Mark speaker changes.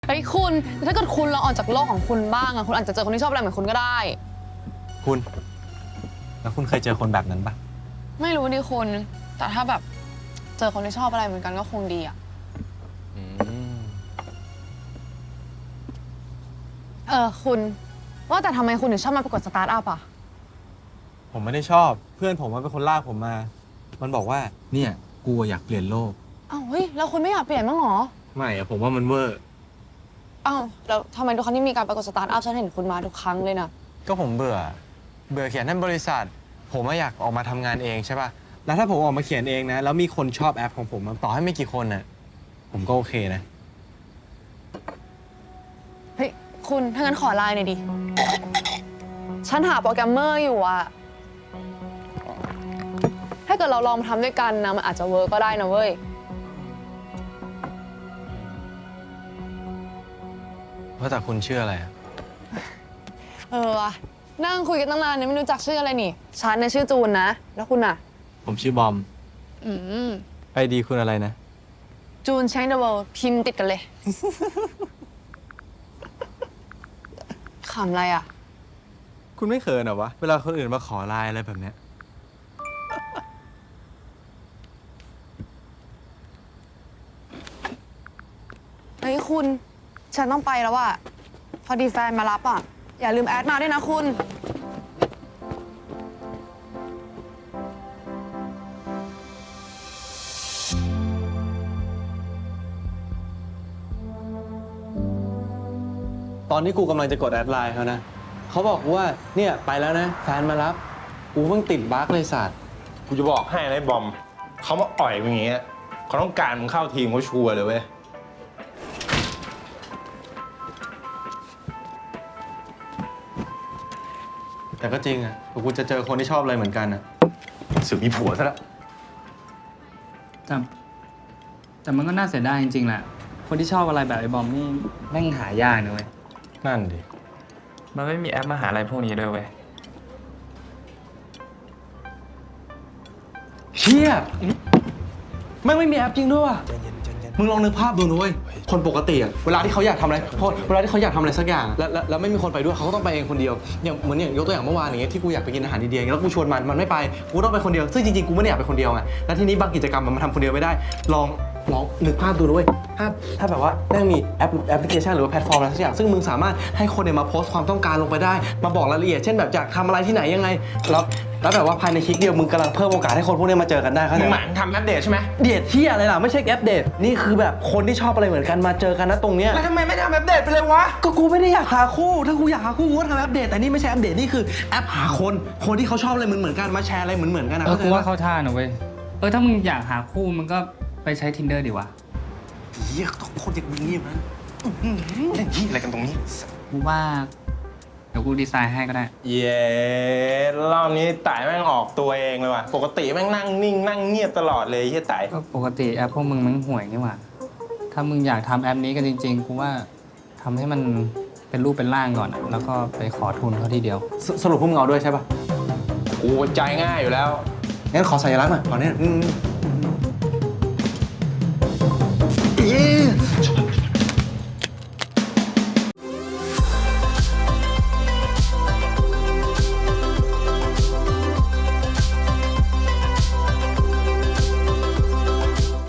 Speaker 1: เฮ้ยคุณถ้าเกิดคุณลองออกจากโลกของคุณบ้างอะคุณอาจจะเจอคนที่ชอบอะไรเหมือนคุณก็ได้
Speaker 2: คุณแล้วคุณเคยเจอคนแบบนั้นปะ
Speaker 1: ไม่รู้ดิคุณแต่ถ้าแบบเจอคนที่ชอบอะไรเหมือนกันก็คงดีอะคุณว่าแต่ทำไมคุณถึงชอบมาประกวดสตาร์ทอัพอะ
Speaker 2: ผมไม่ได้ชอบเพื่อนผมมันเป็นคนลากผมมา มันบอกว่าเนี่ยกูอยากเปลี่ยนโลก
Speaker 1: อ้าวเฮ้ยแล้วคุณไม่อยากเปลี่ยนบ้างเหรอ
Speaker 2: ไม่อะผมว่ามันเวอร์
Speaker 1: อ้าวแล้วทำไมทุกครั้งที่มีการประกวดสตาร์ทอัพฉันเห็นคุณมาทุกครั้งเลยนะ
Speaker 2: ก็ผมเบื่อเขียนให้บริษัท ผมอยากออกมาทำงานเองใช่ป่ะแล้วถ้าผมออกมาเขียนเองนะแล้วมีคนชอบแอปของผมต่อให้ไม่กี่คนน่ะผมก็โอเคนะ
Speaker 1: เฮ้ยคุณถ้างั้นขอไลน์หน่อยดิฉันหาโปรแกรมเมอร์อยู่อะถ้าเกิดเราลองทำด้วยกันนะมันอาจจะเวิร์กก็ได้นะเว้ย
Speaker 2: ว่าแต่คุณชื่ออะไรอะ
Speaker 1: ว่ะนั่งคุยกันตั้งนานเนี่ยไม่รู้จักชื่ออะไรนี่ฉันเนี่ยชื่อจูนนะแล้วคุณอะ
Speaker 2: ผมชื่อบอม
Speaker 1: อืม
Speaker 2: ไอดีคุณอะไรนะ
Speaker 1: จูน Change the World พิมพ์ติดกันเลย ขำอะไรอะ
Speaker 2: คุณไม่เขินเหรอวะเวลาคนอื่นมาขอไลน์อะไรแบบเนี้ย
Speaker 1: เฮ้ยคุณฉันต้องไปแล้วอะพอดีแฟนมารับอะอย่าลืมแอดมาด้วยนะคุณ
Speaker 2: ตอนที่กูกำลังจะกดแอดไลน์เขานะเขาบอกว่าเนี่ยไปแล้วนะแฟนมารับกูเพิ่งติดบั๊กเลยสัตว์
Speaker 3: กูจะบอกให้นะไอ้บอมเขามาอ่อยมึงอย่างเงี้ยเขาต้องการมึงเข้าทีมเขาชัวร์เลยเว้ย
Speaker 2: แต่ก็จริงอ่ะกูจะเจอคนที่ชอบอะไรเหมือนกันอ่ะ
Speaker 3: สึกมีผัวซะแล้ว
Speaker 4: แต่มันก็น่าเสียดายจริงๆแหละ คนที่ชอบอะไรแบบไอ้บอมนี่แม่งหายากนะเว้ย
Speaker 2: นั่นดิ
Speaker 5: มันไม่มีแอปมหาลัยพวกนี้ด้วยเว้ย
Speaker 2: เชี่ยแม่งไม่มีแอปจริงด้วยว่ะมึงลองนึกภาพดูนะเว้ยคนปกติอ่ะเวลาที่เขาอยากทำอะไรเวลาที่เขาอยากทำอะไรสักอย่างแล้วไม่มีคนไปด้วยเขาก็ต้องไปเองคนเดียวอย่างเหมือนอย่างยกตัวอย่างเมื่อวานอย่างเงี้ยที่กูอยากไปกินอาหารอินเดียแล้วกูชวนมันไม่ไปกูต้องไปคนเดียวซึ่งจริงๆกูไม่ได้อยากไปคนเดียวไงแล้วทีนี้บางกิจกรรมมันมาทำคนเดียวไม่ได้ลองนึกภาพดูนะเว้ยถ้าแบบว่าแม่งมีแอปพลิเคชันหรือว่าแพลตฟอร์มอะไรสักอย่างซึ่งมึงสามารถให้คนเนี่ยมาโพสต์ความต้องการลงไปได้มาบอกรายละเอียดเช่นแบบอยากทำอะไรที่ไหนยังไงแล้วแบบว่าภายในคลิกเดียวมึงกำลังเพิ่มโอกาสให้คนพวกนี้มาเจอกันได้เข้าใจ
Speaker 3: มึง
Speaker 2: ไห
Speaker 3: ห
Speaker 2: ม
Speaker 3: มายถึงทำอัปเดตใช่ไหม
Speaker 2: เดทที่อะไรล่ะไม่ใช่แอปเดทนี่คือแบบคนที่ชอบอะไรเหมือนกันมาเจอกันนะตรงเนี้ย
Speaker 3: แล้วทำไมไม่ทำอัปเดตไปเลยวะ
Speaker 2: ก็กูไม่ได้อยากหาคู่ถ้ากูอยากหาคู่กูก็ทำแอปเดทแต่นี่ไม่ใช่แอปเดทนี่คือแอปหาคนที่เขาชอบอะไรเหมือนกันมาแชร์อะไรเหมือนกันนะ
Speaker 4: กูว่าเข้าท่านะเว้ย ถ้ามึงอยากหาคู่มึงก็ไปใช้ Tinder ดีวะ
Speaker 2: เฮียต้องคนอย่างมึงนี่มัน
Speaker 3: เล่นที่อะไรกันตรงนี้
Speaker 4: กูว่า เดี๋ยวกูดีไซน์ให้ก็ได้
Speaker 3: เย้รอบนี้ไต่แม่งออกตัวเองเลยว่ะปกติแม่งนั่งนิ่งนั่งเงียบตลอดเลยไอ้ไต่
Speaker 4: ก็ปกติแอปพวกมึงมันห่วยนี่หว่า ถ้ามึงอยากทำแอปนี้กันจริงๆ กูว่าทำให้มันเป็นรูปเป็นร่างก่อนอะแล้วก็ไปขอทุนเขาทีเดียว
Speaker 2: สรุปพวกมึงเอาด้วยใช่ป่ะ
Speaker 3: กูใจง่ายอยู่แล้ว
Speaker 2: งั้นขอสัญลักษณ์หน่อยขอเนี่ย